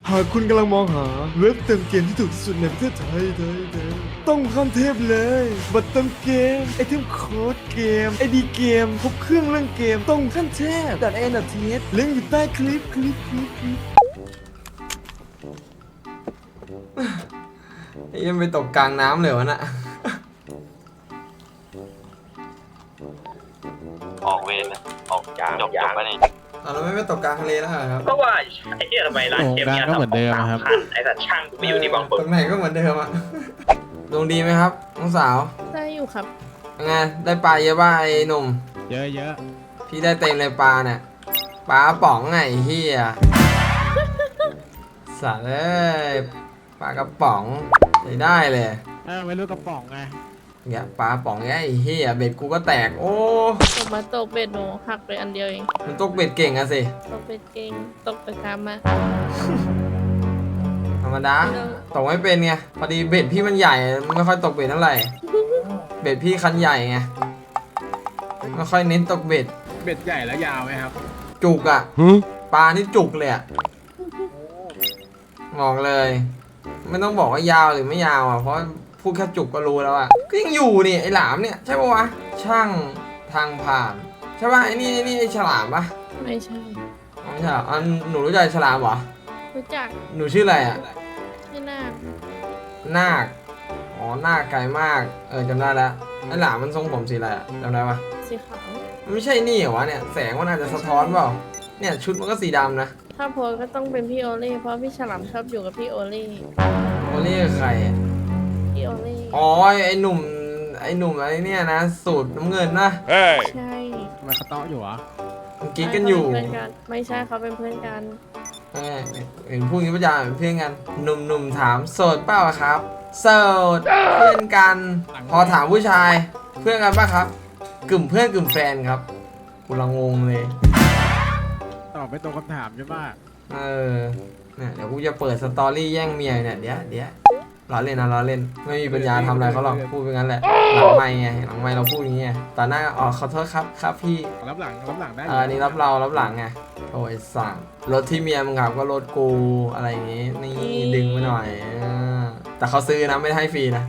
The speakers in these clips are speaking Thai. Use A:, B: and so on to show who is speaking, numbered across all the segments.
A: หากคุณกำลังมองหาเว็บเติมเกมที่ถูกที่สุดในประเทศไทยต้องขั้นเทพเลยบัตรเติมเกมไอเทมโค้ดเกมไอดีเกมครบเครื่องเรื่องเกมต้องขั้นเทพ.n.th ลิงก์อยู่ใต้คลิป
B: ยังไปตกกลางน้ำเลยวะน่ะ
C: ออกเวรนะออกจบไปนี่
B: เราไม่ไปตกกลางทะเลแล้วเหรอครับ
C: เพราะว่าไอ้เหี้ยทำไมร้านเกมเนี่ย
D: ก็เหมือนเดิมครับ
C: ไอ้สัตว์ช่างกูไปอยู่ที่บางปึ
B: ต
C: ก
B: รงไหนก็เหมือนเดิมอะ ดวงดีไหมครับน้องสาว
E: ได้อยู่ครับ
B: ยังไงได้ปลาเยอะป่ะไอ้หนุ่ม
D: เยอะ
B: พี่ได้เต็มเลยปลาเนี่ยปลาป๋องไงเฮียสัตว์เอ้ยปลากระป๋องใช้ได้เลย
D: ไม่รู้กระป๋องไง
B: เนี่ยปลาป๋องไงไอ้เฮียเบ็ดกูก็แตกโอ้
E: ผมมาตกเบ็ดหนูหักไปอันเดียวเอง
B: มันตกเบ็ดเก่งอะสิ
E: ตกเบ็ดเก่งตกไปตามมา
B: ธรรมดาตกไม่เป็นไงพอดีเบ็ดพี่มันใหญ่ไม่ค่อยตกเบ็ดเท่าไหร่เบ็ดพี่คันใหญ่ไงไม่ค่อยเน้นตกเบ็ด
D: เบ็ดใหญ่แล้วยาวไหมครับ
B: จุกอะปลานี่จุกเลยอะบอกเลย ไม่ต้องบอกว่ายาวหรือไม่ยาวอะเพราะพูดแค่จุกก็รู้แล้วอะก็ยังอยู่นี่ไอ้หลามเนี่ยใช่ปะวะช่างทางผ่านใช่ปะไอ้นี่ไอ้ฉลามปะ
E: ไม่ใช่
B: อ๋อไม่ใช่เหรอหนูรู้จักฉลามเหรอ
E: รู้จัก
B: หนูชื่ออะไรอะ
E: ที่หน้า
B: นาคอ๋อนาคไกลมากจำได้แล้วไอ้หลามมันทรงผมสีอะไรอะจำได้ปะ
E: สีขาว
B: มันไม่ใช่นี่เหรอวะเนี่ยแสงมันอาจจะสะท้อนเปล่าเนี่ยชุดมันก็สีดำนะ
E: ถ้าโพสก็ต้องเป็นพี่โอเล่เพราะพี่ฉลามชอบอยู่กับพี่โอเล่
B: โอเล่ใครอะ
E: พี่โอเล่
B: อ๋อไอ้หนุ่มอะไรเนี่ยนะสูตรน้ำเงินนะ
E: ใช่
D: ทำไมเขาเตาะอยู่วะ
B: มันกิ๊กกันอยู่
E: เขาเป็นเพื่อนกันไม่ใช่เขาเป็นเพื่อนกัน
B: เห็นพูดอย่างนี้ประจำเป็นเพื่อนกันหนุ่มถามโสดเปล่าครับโสดเพื่อนกัน พอถามผู้ชายเพื่อนกันป่ะครับกึ่มเพื่อนกึ่มแฟนครับกูละงงเลย
D: ตอบไม่ตรงคำถามใช่ไหม
B: เนี่ยเดี๋ยวกูจะเปิดสตอรี่แย่งเมียเนี่ยเดี๋ยวล้อเล่นนะล้อเล่นไม่มีปัญญาทำอะไรเขาหรอกพูดไปงั้นแหละหลังไม่ไงหลังไม่เราพูดอย่างเงี้ยตอนหน้าอ๋อขอโทษครับพี่
D: รับหลังได้
B: อันนี้รับหลังไงโอ้ยสั่งรถที่เมียมึงขับก็รถกูอะไรอย่างงี้นี่ดึงมาหน่อยแต่เขาซื้อนะไม่ได้ให้ฟรีนะ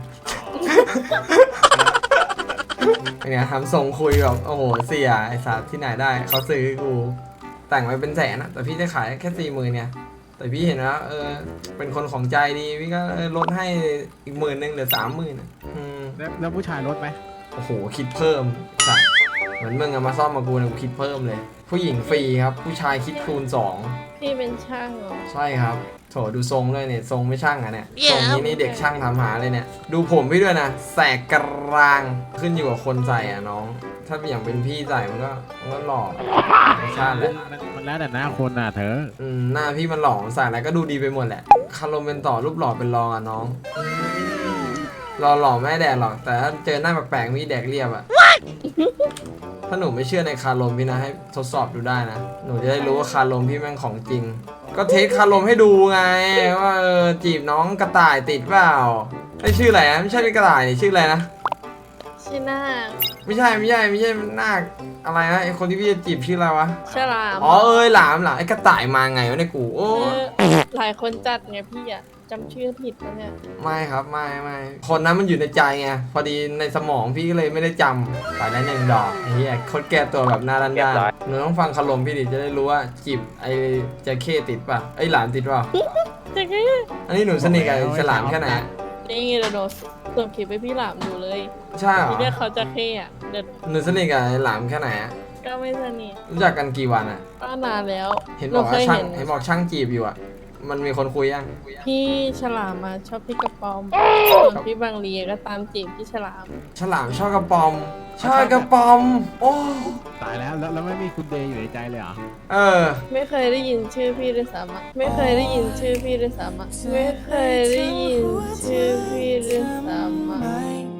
B: เป็นไงทำทรงคุยแบบโอ้โหเสียไอ้สัตว์ที่ไหนได้เขาซื้อกูแต่งไว้เป็นแสนนะแต่พี่ได้ขายแค่40,000เนี่ยแต่พี่เห็นว่าเป็นคนของใจดีพี่ก็ลดให้อีก10,000เหลือ30,000นะ
D: แล้วผู้ชายลดไหม
B: โอ้โหคิดเพิ่มสัตว์เหมือนมึงอะมาซ่อมมากูเนี่ยกูคิดเพิ่มเลย ผู้หญิงฟรีครับผู้ชายคิดคูณ2
E: พี่เป็นช่างเหรอ
B: ใช่ครับโถดูทรงด้วยเนี่ยทรงไม่ช่างอะเนี่ยทรงนี้นี่เด็กช่างทำหาเลยเนี่ยดูผมพี่ด้วยนะแสกกลางขึ้นอยู่กับคนใส่อะน้อง ถ้าอย่างเป็นพี่ใส่มันก็หล่อไม่ใช่แหละ
D: มันแล้วแต่หน้าคนน่ะเธอ
B: หน้าพี่มันหล่อใส่อะไรก็ดูดีไปหมดแหละคารมเป็นต่อรูปหล่อเป็นรองอะน้องหล่อไม่แดกหรอกแต่ถ้าเจอหน้าแปลกๆพี่แดกเรียบอะถ้าหนูไม่เชื่อในคารมพี่นะให้ทดสอบดูได้นะหนูจะได้รู้ว่าคารมพี่แม่งของจริง ก็เทสคารมให้ดูไงว่าจีบน้องกระต่ายติดเปล่าไอ้ชื่ออะไรนะไม่ใช่เป็นกระต่ายนี่ชื่ออะไรนะ
E: ชื่อหน้า
B: ไม่ใช่นาคอะไรนะไอ้คนที่พี่จะจีบชื่ออะไรวะ
E: ฉลาม
B: อ๋อหลามไอ้กระต่ายมาไงวะในกูโอ้
E: หลายคนจัดไงพี่อะจำชื่อผิดแล้วเนี่ย
B: ไม่ครับไม่คนนั้นมันอยู่ในใจไงพอดีในสมองพี่ก็เลยไม่ได้จำไปได้1 ดอกไอ้เหี้ยโคตรแก้ตัวแบบหน้าด้านๆหนูต้องฟังคารมพี่ดิจะได้รู้ว่าจีบไอ้จระเข้ติดป่ะไอ้หลามติดป่ะ
E: จะแค่
B: อันนี้หนูสนิทกับไอ้ฉลามแค่ไหน
E: นี่ไงเราส่งคลิปไปพี่หลามดูเลย
B: ใช่เหรอ
E: พี่เรียกเขาจะเข้อะเดี๋ยว
B: หนูสนิทกับไอ้หลามแค่ไหนอะ
E: ก็ไม่สนิท
B: รู้จักกันกี่วันอะ
E: ก็นานแล้ว
B: เห็น
E: ห
B: บ
E: นู
B: อก
E: เค
B: ว่าย ช่าง
E: เห็น
B: เห็นบอกช่างจีบอยู่อะมันมีคนคุยยัง
E: พี่ฉลามมาชอบพี่กระป๋อมส่วนพี่บางลีก็ตามจีบพี่ฉลาม
B: ฉลามชอบกระปอมชอบกระปอมโอ้
D: ตายแล้วไม่มีคุณเดย์อยู่ในใจเลยเหรอ
E: ไม่เคยได้ยินชื่อพี่ด้วยซ้ำอะไม่เคยได้ยินชื่อพี่ด้วยซ้ำอะไม่เคยได้ยินชื่อพี่ด้วยซ้ำอะ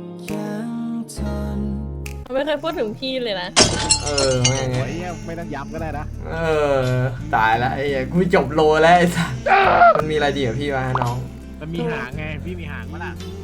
E: ไม่เคยพูดถึงพี่เลยนะ
B: แม่ง
D: โอ้ยไม่ต้องย้ำก็ได้นะ
B: ตายแล้วไอ้เหี้ยกูจบโลแล้วไอ้สัสมันมีอะไรดีกับพี่วะน้อง
D: มันมีหางไงพี่มีหางมั้ยล่ะ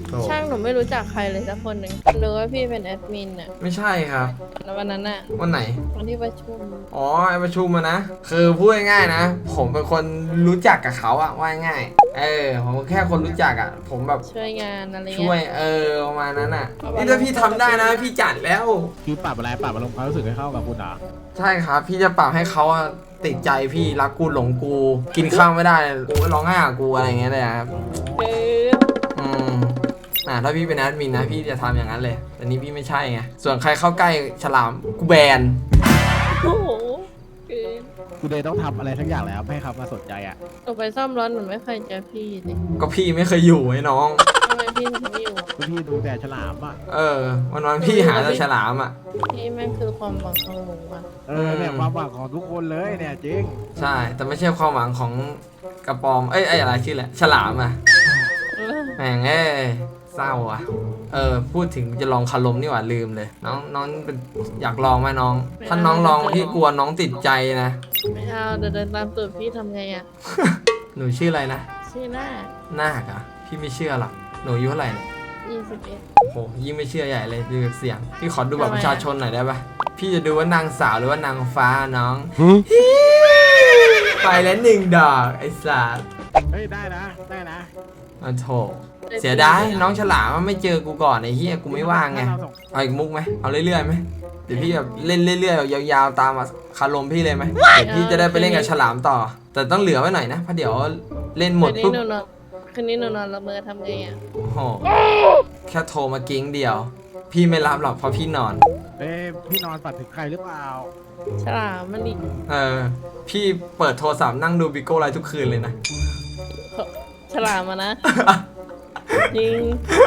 B: โถ่
E: ช่างหนูไม่รู้จักใครเลยสักคนหนึ่งรู้ว่าพี่เป็นแอดมินอะ
B: ไม่ใช่ครับ
E: แล้ววันนั้นอะ
B: วันไหน
E: วันที่ประชุม
B: อ๋อไอประชุมอะนะ คือพูดง่ายๆนะ ผมเป็นคนรู้จักกับเขาอะว่าง่ายผมแค่คนรู้จักอะผมแบบ
E: ช่วยงานอะไร
B: ช่วย
E: เงี้ย
B: ประมาณนั้นอะนี่ถ้าพี่ทำได้นะ พี่จัดแล้ว
D: คือปรับอะไรปรับอารมณ์ความรู้สึกให้เข้ากับคุณเหรอ
B: ใช่ครับ พี่จะปรับให้เขาอะติดใจพี่รักกูหลงกู กินข้าวไม่ได้กูร้องไห้กับกูอะไรอย่างเงี้ยเลยครับ
E: เกิน
B: อืมถ้าพี่เป็นแอดมินนะพี่จะทำอย่างนั้นเลย แต่นี่พี่ไม่ใช่ไง ส่วนใครเข้าใกล้ฉลามกูแบน
E: โอ้โหเกิน
D: คุณเดย์ต้องทำอะไรทั้งอย่างแล้วให้เขามาสนใจอ่ะ
E: หนูไปซ่อมรถหนูไม่เคยเจอพี่เลย
B: ก็พี่ไม่เคยอยู่ไอ้น้อง
E: ทำไมพี่ถึงไม่อยู่อะ
D: พี่ดูแต่ฉลามอ่ะ
B: วันๆพี่หาแต่ฉลามอ่ะ
E: พี่แม่งคือความหวังของหนูอะ
D: เนี่ยความหวังของทุกคนเลยเนี่ยจริง
B: ใช่ แต่ไม่ใช่ความหวังของกระปอม อะไรชื่อแหละฉลามอ่ะ
E: เออ
B: แม่งเศร้าอ่ะ พูดถึงจะลองคารมนี่หว่าลืมเลย น้องเป็นอยากลองไหมน้อง ถ้าน้องลองพี่กลัวน้องติดใจนะ
E: ไม่เอาเดี๋ยวเดินตามตูดพี่ทำไงอะ
B: หนูชื่ออะไรนะ
E: ชื่อหน้า
B: นาคอะพี่ไม่เชื่อหรอก หนูอายุเท่าไหร่เนี่ย
E: 21
B: โอ้โหยิ่งไม่เชื่อใหญ่เลยดูจากเสียง พี่ขอดูบัตรประชาชนหน่อยได้ปะพี่จะดูว่านางสาวหรือว่านางฟ้าน้อง ไปแล้วหนึ่งดอกไอ้สัส
D: เฮ้ยได้นะได้นะ
B: อ๋อโถเสียดายน้องฉลามมันไม่เจอกูก่อนไอ้เหี้ยกูไม่ว่างไง เอาอีกมุกไหมเอาเรื่อยๆไหมเดี๋ยวพี่แบบเล่นเรื่อยๆแบบยาวๆตามคารมพี่เลยไหมเดี๋ยวพี่จะได้ไปเล่นกับฉลามต่อ แต่ต้องเหลือไว้หน่อยนะเพราะเดี๋ยวเล่นหมดปุ๊บ
E: คืนนี้หนูนอนละเมอทำไงอะ
B: โอ้โหแค่โทรมากิ้งเดียว พี่ไม่รับหรอกเพราะพี่นอน
D: พี่นอนฝันถึงใครหรือเปล่า
E: ฉลามมันดิ
B: พี่เปิดโทรศัพท์นั่งดูบิโก้ไลฟ์ทุกคืนเลยนะ
E: ฉลามอะนะ จริง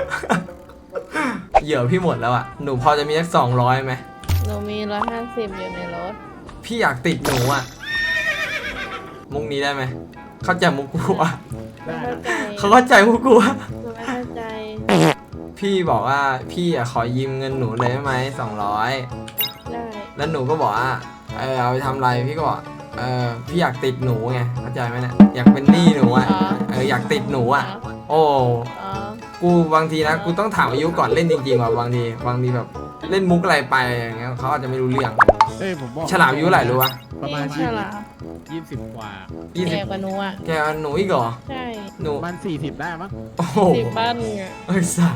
B: เหยื่อพี่หมดแล้วอ่ะหนูพอจะมีสัก200ไหม
E: หนูมี150อยู่ในรถ
B: พี่อยากติดหนูอ่ะมุกนี้ได้ไหมเข้าใจมุกกูอ่ะ
E: ไม่เข้าใจ
B: เขาเข้าใจมุกกูอ่ะ
E: หนูไม่เข้าใจ
B: พี่บอกว่าพี่อ่ะขอยืมเงินหนูเลยได้ไหม200
E: ได้
B: แล้วหนูก็บอกว่าเอาไปทำอะไรพี่ก็บอกพี่อยากติดหนูไงเข้าใจไหมเนี่ยอยากเป็นหนี้หนูอ่ะอยากติดหนูอ่ะ โอ้
E: อ๋อ
B: กูบางทีนะกูต้องถามอายุก่อนเล่นจริงๆว่ะบางทีแบบเล่นมุกอะไรไปอย่างเงี้ยเขาอาจจะไม่รู้เรื่อง
D: ผมบอก
B: ฉลามอายุเท่าไหร่รู้ปะ
D: ประมาณ
E: ฉลาม
D: 20กว่า
E: แก่กว่าหนูอ่ะ
B: แกหนูอีกเหรอ
E: ใช่
B: หนู
D: ประมาณ40ได้มั้ง
B: โอ้โห
E: 10 บ้านอ่ะ
B: ไอ้สัส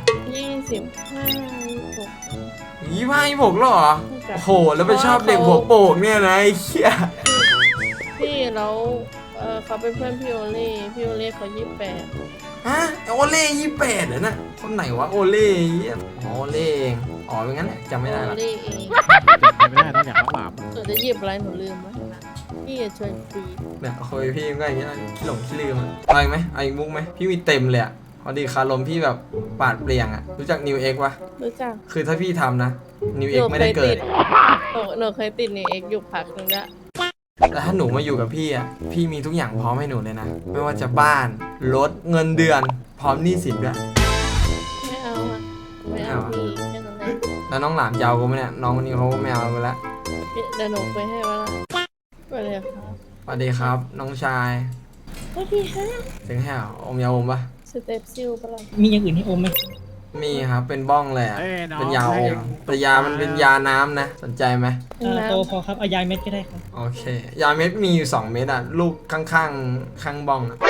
E: 25
B: 25 26แล้วเหรอโอ้โหแล้วไปชอบเด็กหัวโปกเนี่ยนะไอ้เหี้ย
E: พี่แล้วเขาเป็นเพื่อนพี่โอเล่เขา28
B: ฮะโอเล่28เหรอนะคนไหนวะโอเล่เหี้ยอ๋อโอเล่เองอ๋อเป็นงั้นแหละจำไม่ได้
E: โอ
B: ละ
E: เล่เอง
D: ไม่ได้ต้องอยากต้องหลาม
E: หนูจะหยิบอะไรหนูลืมไว้นะพี่อย่าชวนคุย
B: เนี่ยคุยพี่ก็อย่างเงี้ยขี้หลงขี้ลืมอะเอาอีกไหมเอาอีกมุกไหมพี่มีเต็มเลยอะพอดีคารมพี่แบบปาดเปลี่ยงอะรู้จักนิวเอ็กปะ
E: รู้จัก
B: คือถ้าพี่ทำนะนิวเอ็กไม่ได้เกิด
E: หนูเคยติดในเอ็กอยู่พักหนึงด้วย
B: แต่ถ้าหนูมาอยู่กับพี่อ่ะ พี่มีทุกอย่างพร้อมให้หนูเลยนะ ไม่ว่าจะบ้าน รถ เงินเดือน พร้อมหนี้สินด้วย
E: ไม่เอาอ่ะไม่เอาพี่แค่นั้นแหละ
B: แล้วน้องหลามจะเอากูไหมเนี่ย น้องคนนี้เขาไม่เอากูแล้ว
E: เดี๋ยวหนูไปให้ว่าละไปเลยครับ
B: สวัสดีครับ น้องชาย
E: สวัสดีฮะ
B: ถึงแห้วอมยาอมปะ
E: สเต็ปซิลปะล่ะ
F: มีอย่างอื่นให้อมไหม
B: มีครับ เป็นบ้องเลยอ่ะ เป็นยาอม แต่ยามันเป็นยาน้ำนะ สนใจไหม
F: โตพอครับเอายาเม็ดก็ได้ครับ
B: โอเค ยาเม็ดมีอยู่2 เม็ดอ่ะ ลูกข้างๆ ข้างบ้องอ่ะ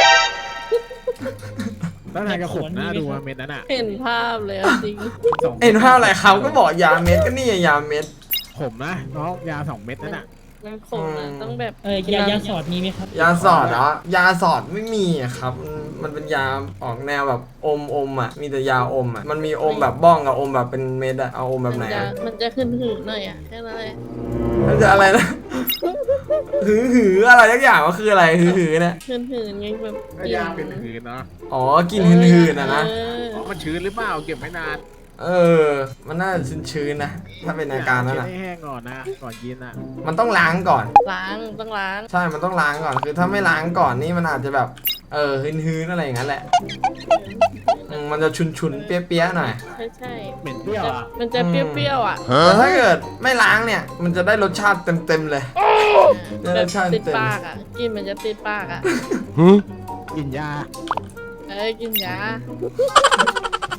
D: แล้วนายกระขมหน้าดูเม็ดนั้นอ่ะ
E: เห็นภาพเลยอะจริง
B: เห็นภาพอะไรเขาก็บอกยาเม็ดก็นี่ไงยาเม็ด
D: ขมนะน้องยา2 เม็ดนั่นอ่ะ
E: มันคงนะต้องแบบ
F: ยาสอดมีไหมครับ
B: ยาสอดเหรอยาสอดไม่มีอะครับ มันเป็นยาออกแนวแบบอมอ่ะ มีแต่ยาอมอ่ะ มันมีอมแบบบ้องกับอมแบบเป็นเม็ดอะเอาอมแบบไหนอะ
E: มันจะขึ้นหืดหน่อยอ่ะแค่นั้นเลย
B: มันจะอะไรนะ หืออะไรทุกอย่างก็คืออะไรหือเนี่ย
E: ขึ้นหืดไงแบบ
D: ก็ยาเป็นหืนเนาะ
B: อ๋อ กินหืนๆอะนะ
D: มันชื้นหรือเปล่าเก็บไม่นาน
B: มันน่าจะชื้นๆนะ ถ้าเป็นอาการนั้น
D: เช็ด
B: อะ
D: ให้แห้งก่อนนะก่อนกินอ่ะ
B: มันต้องล้างก่อน
E: ต้องล้าง
B: ใช่ มันต้องล้างก่อน คือถ้าไม่ล้างก่อนนี่มันอาจจะแบบ หืนๆอะไรอย่างนั้นแหละ มันจะชุนๆ เปี้ยๆหน่อย
E: ใช่
D: เหม็นเปรี้ยวอ่ะ
E: มันจะเปรี้ยวๆอ่ะ
B: แต่ถ้าเกิดไม่ล้างเนี่ย มันจะได้รสชาติเต็มๆเลย
E: แบบติดปากอ่ะกินมันจะติดปากอ่ะ
D: กินยา
E: กินยา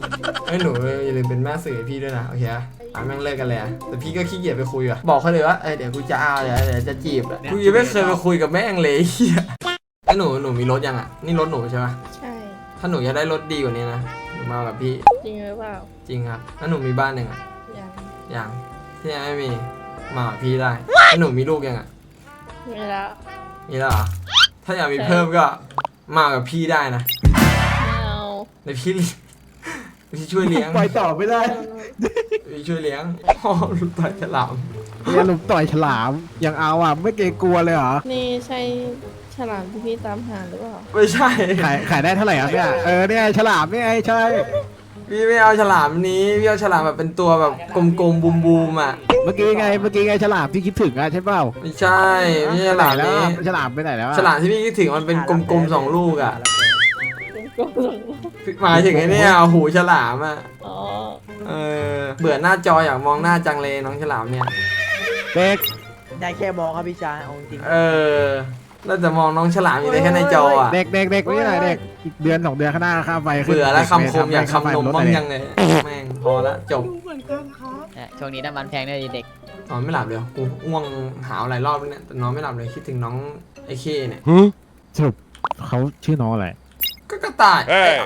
B: ไอ้ยหนูอย่าลืมเป็นแม่สื่อให้พี่ด้วยนะโอเคอะแม่งเลิกกันเลยอะแต่พี่ก็ขี้เกียจไปคุยอะบอกเขาเลยว่าเดี๋ยวกูจะเอาเดี๋ยวจะจีบอะกูยังไม่เคยไปคุยกับแม่งเลยเฮียไอ้หนูมีรถยังอะนี่รถหนูใช่ปะ
E: ใช่
B: ถ้าหนูอยากได้รถดีกว่านี้นะหนูมากับพี่
E: จริงหรือเปล่า
B: จริงครับถ้าหนูมีบ้านหนึ่งอะ
E: ยัง
B: ยังที่ยังไม่มีมากับพี่ได้ถ้าหนูมีลูกยังอะ
E: ไม่แล้ว
B: มีแล้วเหรอถ้าอยากมีเพิ่มก็มากับพี่ได้นะ
E: ไม่เอา
B: ในพี่พี่ช่วยเลี้ยง
D: ปล่อยต่อไม่ได้
B: พี่ช่วยเลี้ยงพ่อลูกต่อยฉลาม
D: เนี่ยลุมต่อยฉลามยังเอาอ่ะไม่เกรงกลัวเลยเหรอ
E: นี่ใช่ฉลามที่พี่ตามหาหรือเปล่า
B: ไม่ใช่
D: ขายได้เท่าไหร่ครับเนี่ยเนี่ยฉลามเนี่ยใช่
B: พี่ไม่เอาฉลามนี้พี่เอาฉลามแบบเป็นตัวแบบกลมๆบูมๆอ่ะ
D: เมื่อกี้ไงฉลามที่คิดถึงอ่ะใช่เปล่า
B: ไม่ใช่ไม่ใช่ฉลาม
D: แล้ว
B: นี้
D: ฉลามไปไหนแล้วอะ
B: ฉลามที่พี่คิดถึงมันเป็นกลมๆ2 ลูกอ่ะ
E: กลม
B: หมายถึงไอ้เนี่ยหูฉลามอ่ะ
E: ๆอ๋อ
B: เบื่อหน้าจออยากมองหน้าจังเลยน้องฉลามเนี่ย
D: เด็ก
G: ได้แค่มองครับพี่ชายเอาจริง
B: แล้วแต่มองน้องฉลามอยู่ได้แค่ในจออ่ะ
D: เด็กนี่ไหนเด็กอีกเดือน2 เดือนข้างหน้าค่าไฟขึ้น
B: เบื่อแล้วคำคมอยาก
D: ค่ไฟ
B: คำนม
D: ลด
B: บ้าง
D: เลย
B: ยังเลยแม่งพอละจบ
G: เนี่ยช่วงนี้น้ำมันแพงด้วยเด็ก
B: นอนไม่หลับเลยกูอ้วงหาวหลายรอบแล้วเนี่ยแต่นอนไม่หลับเลยคิดถึงน้องไอ้เคเนี่ย
D: สรุปเขาชื่อน้องอะไร
B: ก็กระต่าย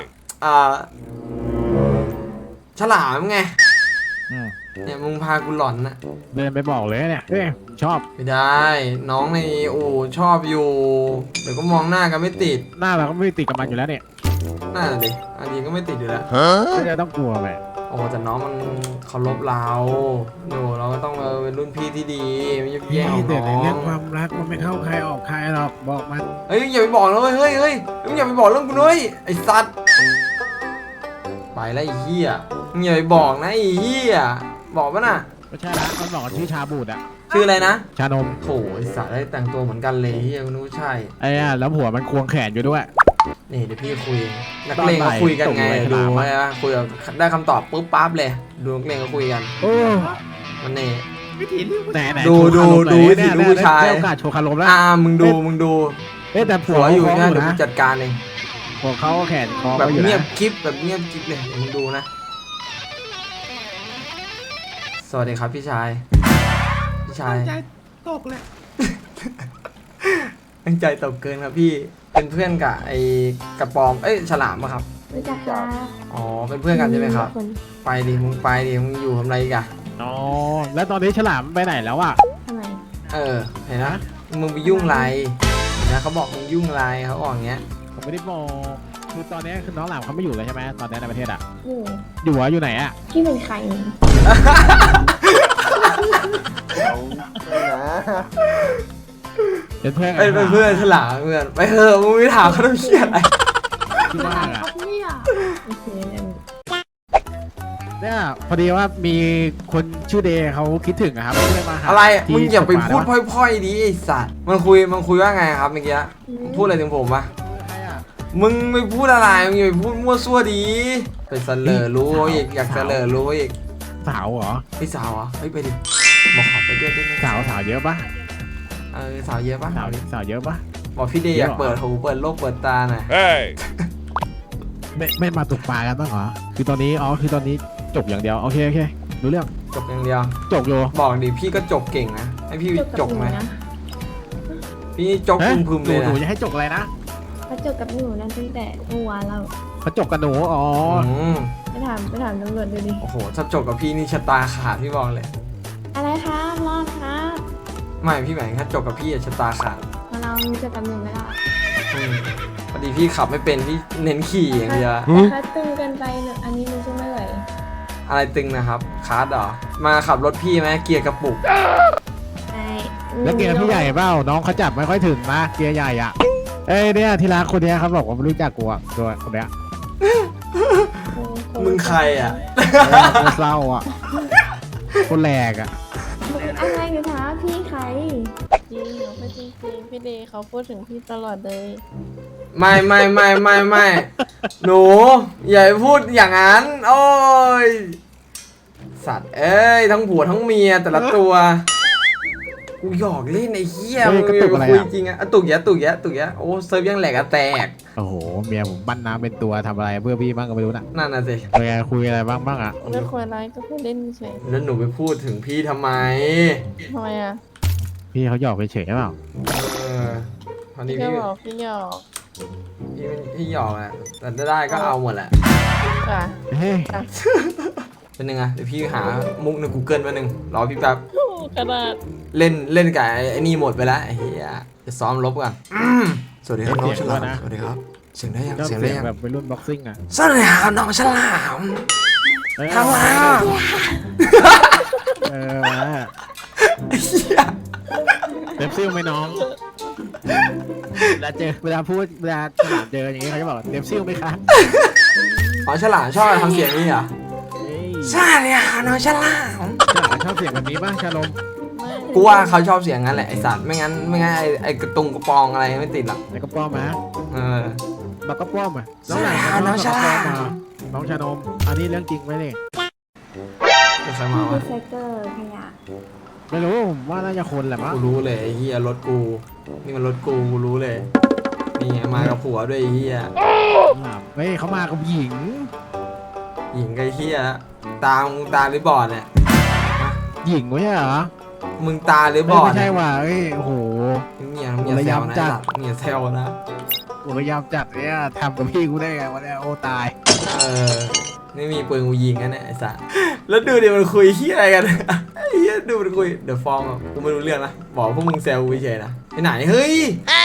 B: ฉลามไง เนี่ยมึงพากูหลอนนะ
D: เดินไปบอกเลยเนี่ยชอบ
B: ไม่ได้ น้องในอู่ชอบอยู่ เดี๋ยวก็มองหน้ากันไม่ติด
D: หน้าเราก็ไม่ติดกับมันอยู่แล้วเนี่ย
B: หน้าดิอันนี้ก็ไม่ติดอยู่แล้ว
D: ไม่ได้ต้องกลัวไป
B: โอ้แต่น้องมันเคารพเราโน่เราก็ต้องเป็นรุ่นพี่ที่ดีไม่ยุบแย่งของ
D: แต่
B: น้
D: ในเรื่
B: อ
D: อง
B: ง
D: ความรักมันไม่เข้าใครออกใครหรอกบอกมัน
B: เฮ้ยอย่าไปบอกนะเว้ยเฮ้ยมึงอย่าไปบอกเรื่องกูด้วยไอ้สัตว์ไปแล้วไอ้เหี้ยมึงอย่าไปบอกนะไอ้เหี้ยบอกป่ะน่ะ
D: ไม่ใช่ละมันบอกว่าชื่อชาบูดอะ
B: ชื่ออะไรนะ
D: ชานม
B: โถไอ้สัตว์ได้แต่งตัวเหมือนกันเลยเหี้ยกูนึกว่าใช่
D: ไอ้อะแล้วหัวมันควงแขนอยู่ด้วย
B: นี่เดี๋ยวพี่คุยนักเลงเขาคุยกันไง
D: ตอนบ่าย
B: ดูไหมคุยกับได้คำตอบปุ๊บปั๊บเลยดูนักเลงเขาคุยกัน
D: โอ้
B: มันนี่
D: ไหน
B: ดู
D: โชว์คารมหน่อย
B: ดูวิถี
D: เนี่ย
B: ลูกผู้ชาย
D: ได้โอกาสโชว์คารมแล้ว
B: มึงดู
D: แต่ผั
B: ผั
D: ว
B: วอยู่
D: เขา
B: เนี่ย
D: อยู่
B: เดี๋ยว
D: นะ
B: กูจัดการเอง
D: ผัวเขาแขนคอ
B: แบบ
D: เขาอยู่
B: เงียบ
D: นะ
B: กิ๊บแบบเงียบกิ๊บเลยเดี๋ยวมึงดูนะ สวัสดีครับพี่ชายใจตกเลย ตั้งใจตกเกินครับพี่เป็นเพื่อนกับไอ้กระปอมฉลามปะครับ
E: รู้จักค่ะ
B: อ๋อเป็นเพื่อนกันใช่ไหมครับ
E: คน
B: ไปดิมึงอยู่ทำอะไรอีกัน
D: อ๋อแล้วตอนนี้ฉลามไปไหนแล้วอะ
E: ทำไม
B: เห็นนะมึงไปยุ่งไรเห็นนะเขาบอกมึงยุ่งไรเขาบอกอย่างเงี้ย
D: ผมไม่ได้บอกคือตอนนี้คือน้องหลามเขาไม่อยู่เลยใช่ไหมตอนนี้ในประเทศอะ
E: อยู่
D: อยู่ไหนอะ
E: พี่เป็นใคร
D: เป็นเพื่อน
B: เป็นเพื่อนฉลามเพื่อนไปเถอะมึงไม่ถามเขาต้องเชียอะไร
D: ที่บ้านอะ
E: โอเค
D: เนี่ยพอดีว่ามีคนชื่อเดย์เขาคิดถึงอะครับก็เลยมาหา
B: อะไร
D: ที่
B: มึงอย่าไปพูด
D: สปา
B: พร่อยๆดิไอ้สัตว์มันคุยว่าไงครับเมื่อกี้พูดอะไรถึงผมปะ
D: ใครอะ
B: มึงไม่พูดอะไรมึงอย่าไปพูดมั่วซั่วดีไปเสลอรู้อีกอยากเสลอรู้อีก
D: สาวเหรอ
B: พี่สาวเหรอเฮ้ยไปดิบอกขอไปด้วยได้ไหม
D: สาวเยอะปะ
B: สาวเยอะปะ
D: สาวเยอะปะ
B: บอกพี่เดย์
D: เย
B: อ
D: อะ
B: ยากเปิดหูเปิดโลกเปิดตาหน่อย
D: ไม่มาตกปลากันบ้างเหรอคือตอนนี้จบอย่างเดียวโอเครู้เรื่อง
B: จบอย่างเดียว
D: จบอยู่
B: บอกดิพี่ก็จบเก่งนะให้พี่จบไหม
E: นะ
B: พี่จกพึมๆเลย
D: หนู
B: นะ
D: จะให้จบอะไรนะ
E: เขาจบกับหนูนั้นตั้งแต่เมื่อวานแล้ว
D: เขาจบกับหนูอ๋อ
E: ไปถามตำรวจดูดิ
B: โอ้โหถ้าจบกับพี่นี่ชะตาขาดพี่บอกเลย
E: อะไรครับรอดครับ
B: ไม่พี่หมายถึงถ้าจบกับพี่อะชะตาขาด
E: มาเราเจอกับหนูไหมล่ะ
B: พอดีพี่ขับไม่เป็นพี่เน้นขี่อย่างเดียว
E: แต่ถ้าตึงเกินไปเนี่ยอันนี้มันช่วยไม่ไหว
B: อะไรตึงนะครับคาร์ดเหรอมาขับรถพี่ไหมเกียร์กระปุก
E: ไอ้
D: แล้วเกียร์พี่ใหญ่เปล่าน้องเขาจับไม่ค่อยถึงนะเกียร์ใหญ่อ่ะเนี่ยทีละคนเนี้ยเขาบอกว่าไม่รู้จักกูอ่ะตัวคนเนี้ย
B: มึงใครอ่ะ
D: คนเศร้าอ่ะคนแหลกอ่ะ
E: อะไรหนูถามพี่ใครจริงเหรอไม่จริงพี่เดย์เขาพูดถึงพี่ตลอดเลย
B: ไม่หนูอย่าไปพูดอย่างนั้น โอ้ยสัตว์เอ้ยทั้งผัวทั้งเมียแต่ละตัวกูหยอกเล่นไอ้เหี้ย
D: เฮ้
B: มึ
D: ย
B: ง
D: กระตุกอะไร
B: คุย
D: อะ
B: จริงอะตุกแยะตุกแยะตุกแยะโอ้เซิร์ฟยังแหลกอะแตก
D: โอ้โหเมียผมปั้นน้ำเป็นตัวทำอะไรเพื่อพี่บ้างก็ไม่รู้นะ
B: นั่นน่ะสิ
D: เป็นไงคุยอะไรบ้างอ่ะ
E: ไม่ควรร้ายก็ควรเล่นเฉย
B: แล้วหนูไปพูดถึงพี่ทำไม
E: ทำไมอ่ะ
D: พี่เขาหยอกเฉยๆเปล่า
B: เออตอนนี้
E: พี่
B: พี่
E: บอกพี่หยอก
B: พี่หยอกแหละแต่ได้ก็เอาหมดแหละ
E: อ่ะ
D: เฮ้ย
B: เป็นยังไงเดี๋ยวพี่หามุกใน Google มาหนึ่งรอพี่แป๊บ
E: กระดาษ
B: เล่นกับไอ้นี่หมดไปแล้วไอ้เหี้ยจะซ้อมลบกันสวัสดีครับน้องฉลามสวัสดีครับเสียงได้ยัง
D: ชอบ
B: เสียง
D: เสี
B: ได้
D: ยง
B: ยัง
D: แบบวัยรุ่นบ็อกซิ่งอ่ะ
B: สวัสดีครับน้องฉลาม
D: เออ
B: ทำไม
D: เออมา
B: ไอ้เหี้ย
D: เต็มซิ่งไหมน้องเวลาพูดเวลาฉลามเจออย่างงี้เขาจะบอกเต็มซิ่งไหมคะ
B: อ๋อฉลามชอบทำเสียงนี้เหรอ
D: เฮ้ย
B: สวัสดีครับน้องฉลาม
D: ฉลามชอบเสียงแบบนี้ป่ะชาลม
E: ไม่
B: กูว่าเขาชอบเสียงงั้นแหละไอสัตว์ไม่งั้นไอ้กระตุงกระปองอะไรไม่ติดหรอก
D: แล้วก็ป้อมมา
B: เออ
D: บักก็ป้อมอ่ะ
B: ฉลามน้องฉลาม
D: น้องชานมอันนี้เรื่องจริงไหมเนี่ย
B: เป็นใครมาวะ
H: ไซเกอร์ขยะ
D: ไม่รู้ผมว่าน่าจะคนแหละมั้ง
B: กูรู้เลยไอ้เฮียรถกูนี่มันรถกูรู้เลยนี่ไงมากับผัวด้วยไอ้เฮีย
D: เฮ้ยเขามากับหญิง
B: หญิงกับไอ้เฮียตาหรือบอดเนี่ย
D: หญิงไม่ใช่เหรอ
B: มึงตาหรือบอด
D: ไม่ใช่ว่ะเอ้ยโอ้โห
B: เมียแซวนะ
D: จัด
B: เมียแซวนะ
D: กูพยายามจัดเนี่ยทำกับพี่กูได้ไงวะเนี่ยโอ้ตาย
B: เออไม่มีปืนกูยิงกันเนี่ยไอ้สัสแล้วดูดิมันคุยเฮียอะไรกันไอ้เฮียดูมันคุยเดี๋ยวฟ้องอ่ะกูไม่รู้เรื่องนะบอกพวกมึงแซวกูเฉยๆนะไปไหนเฮ้ย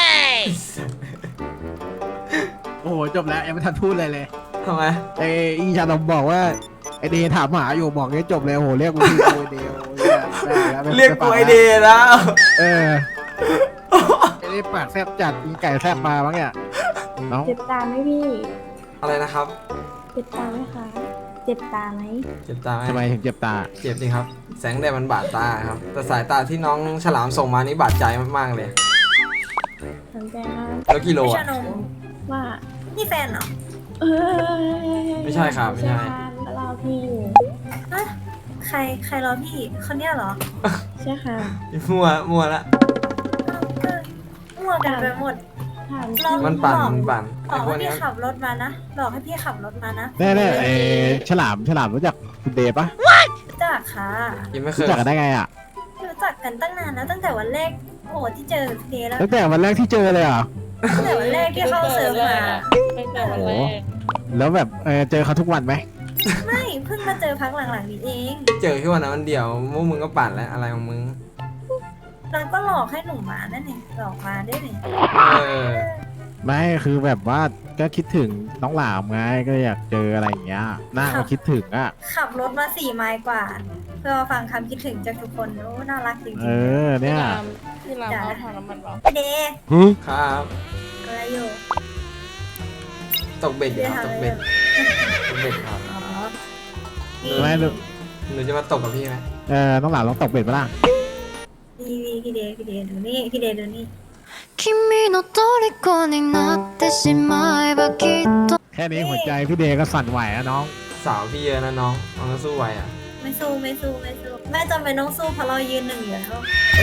D: โอ้โหจบแล้วยังไม่ทันพูดเลยเลย
B: ทำไม
D: ไอ้อีชาดมบอกว่าไอเดย์ถามหาอยู่บอกให้จบเลยโอ้โหเรียกกูพี่กูไอเดย์โอ้โหได้แล้วม่
B: เรียกกูไอเดย์แล้ว
D: เออไอเดย์ปากแซบจัดมีไก่แซบมาบ้างเนี่ยน้อง
H: เจ็บตาไหมพี่
B: อะไรนะครับ
H: เจ็บตาไหมคะเจ็บตาไหม
B: เจ็บตาไหม
D: ทำไมถึงเจ็บตา
B: เจ็บจริงครับ แสงแดดมันบาดตาครับ แต่สายตาที่น้องฉลามส่งมานี่บาดใจมากๆเลย
H: สนใจมาก
B: แล้วกิโลอ่ะ
H: ว่า
I: นี่แฟนเหรอ
H: เออ
B: ไม่ใช่ครับไม่ใช่
H: แล้วเราพี่อยู่
I: ฮะใครรอพี่ คนเนี้ยเหรอ
H: ใช่ค่ะ
B: มั่วละ
I: ก็มั่วกันไปหมด
H: ถาม
I: ลอง
B: มันปั่น
I: บอ
B: ไอ้
I: ก
B: พวก
I: ให้
B: เนี้
I: พี่
B: ย
I: ขับรถมานะบอกให้พี่ขับรถมานะ
D: แน่ๆไอฉลามรู้จักคุณเดย์ปะ
I: รู้จักค่ะ
B: ยังไม่เค
D: รู้
B: ย
D: จักกันได้ไงอ่ะ
I: รู้จักกันตั้งนานแล้วตั้งแต่วันแรกโอ้โหที่เจอพี่เดย์แล้ว
D: ตั้งแต่วันแรกที่เจอเลยเหรอ
I: ตั้งแต่วันแรกที่เข้าเซิร์ฟมา
E: ตั้งแต่วันแรก
D: แล้วแบบเจอเขาทุกวันไหม
I: ไม่เพิ่งมาเจอพักหลังๆนี้เอง
B: เจอแค่วันนั้นวันเดียวพวกมึงก็ปั่นแล้วอะไรของมึง
I: เราก็หลอกให้หนูมานั่นเองหลอกมาได้เลย
B: เออ
D: ไม่คือแบบว่าก็คิดถึงน้องหลามไงก็อยากเจออะไรอย่างเงี้ยน่าก็คิดถึงอ่ะ
I: ขับรถมา4 ไมล์กว่า เพื่อมาฟังคำคิดถึงจากทุกคนโอ้น่ารักจริง
D: เออเนี่ย
E: พี่รามเอาถังน้ำมันเปล่า
I: ๆพี่เดย์
B: ครับ
I: อะไรอยู่
B: ตกเบ็ดอยู่ครับตกเบ็ดครับ
I: อ๋อ
D: ไม่รู้
B: หนูจะมาตกกับพี่ไหม
D: น้องหลามลองตกเบ็ดมาล่ะ
I: พี่เดย์ดูนี่พี่เดย์ดูนี่
J: 君の虜になってしまえばきっと
D: แค่นี้หัวใจพี่เดย์ก็สั่นไหวอะน้อง
B: สาวพี่เยอะนะน้องน้องก็สู้ไหวอ่ะ
I: ไม่สู้แม่จำเป็นต้องสู้เพราะเรายืนหนึ่งอยู่แล้ว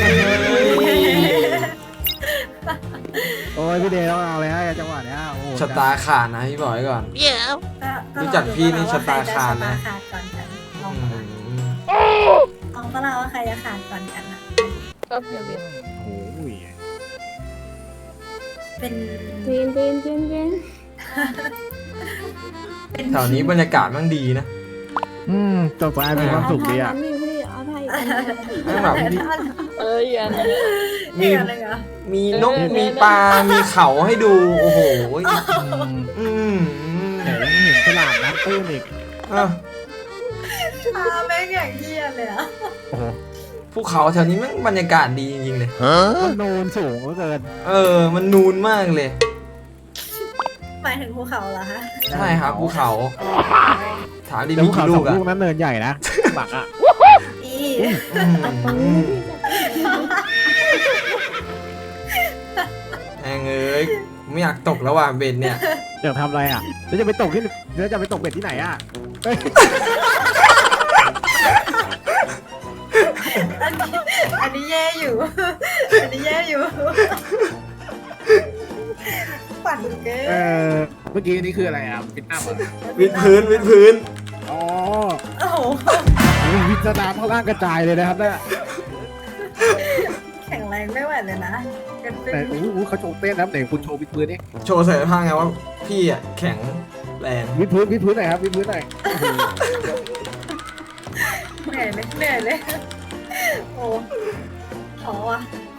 D: โอ้ยพี่เดย์ต้องเอาเลยฮะจังหวะเนี้ยโอ้โห
B: ชะตาขาดนะพี่บอกไว้ก่อน รู้จักพี่นี่ชะตาขาดนะ
I: ชะตาขาดก่อนกันลอง
B: อืม
I: ลองก็เราว่าใครจะขาดก่อนกันนะ
E: ก็เพียบ
D: โอ้ย
I: เป็น
H: เจนเจนเจนเจน
B: แถวนี้บรรยากาศมันดีนะ
D: ตกปลามีความสุขดีอ่ะ
H: นี่พี่เอาไทย
B: แม่งแบบมี
E: อย่านะ
B: มี
I: อะไรเหรอ
B: มีนกมีปลา มีเขาให้ดู โอ้โห อืม
D: แต่ยังเห็นฉลามน้ำตื้นอีก
B: อ่ะ
I: แม่งอย่างเยี่ยเลยอะ
D: โอ้โห
B: ภูเขาแถวนี้แมันบรรยากาศดีจริงๆเลย
D: มันโนนสูงเหลือเกิน
B: เออ มันนูนมากเลย
I: หมายถึงภูเขาเหรอคะ
B: ใช่ครับภูเขา ถามดี
D: แต่
B: มี
D: ภูเขา
B: กี่
D: ส
B: ลู
D: อง
B: กอะ
D: ลูกนั้นเนินใหญ่นะบักอ่ะ
I: อี
B: แองเอ้ยไม่อยากตกแล้วว่ะเบนเนี่ย
D: อยากทำอะไรอ่ะแล้วจะไปตกที่แล้วจะไปตกเบ็ดที่ไหนอ่ะเอ้ย
I: อันนี้แย่อยู่ อันนี้แย่อยู่ปั่นเกิ
D: เอน เมื่อกี้นี่คืออะไรอ่ะฟิตอัพอ่ะ
B: วิดพื้น
D: อ๋อ
I: โอ้โห
D: วิตน้ำข้างล่างกระจายเลยนะครับเนี่ย
I: แข็งแรงไม่ไหวเลยนะกันเป็น
D: แต่โอ้โหเขาโชว์เต้นนะครับไหนคุณโชว์วิดพื้นนี่
B: โชว์ศักยภาพไงว่าพี่อ่ะแข็งแรง
D: วิดพื้นหน่อยครับวิดพื้นหน่อย
I: เหนื่อยเลย โอ้ขอว่ะ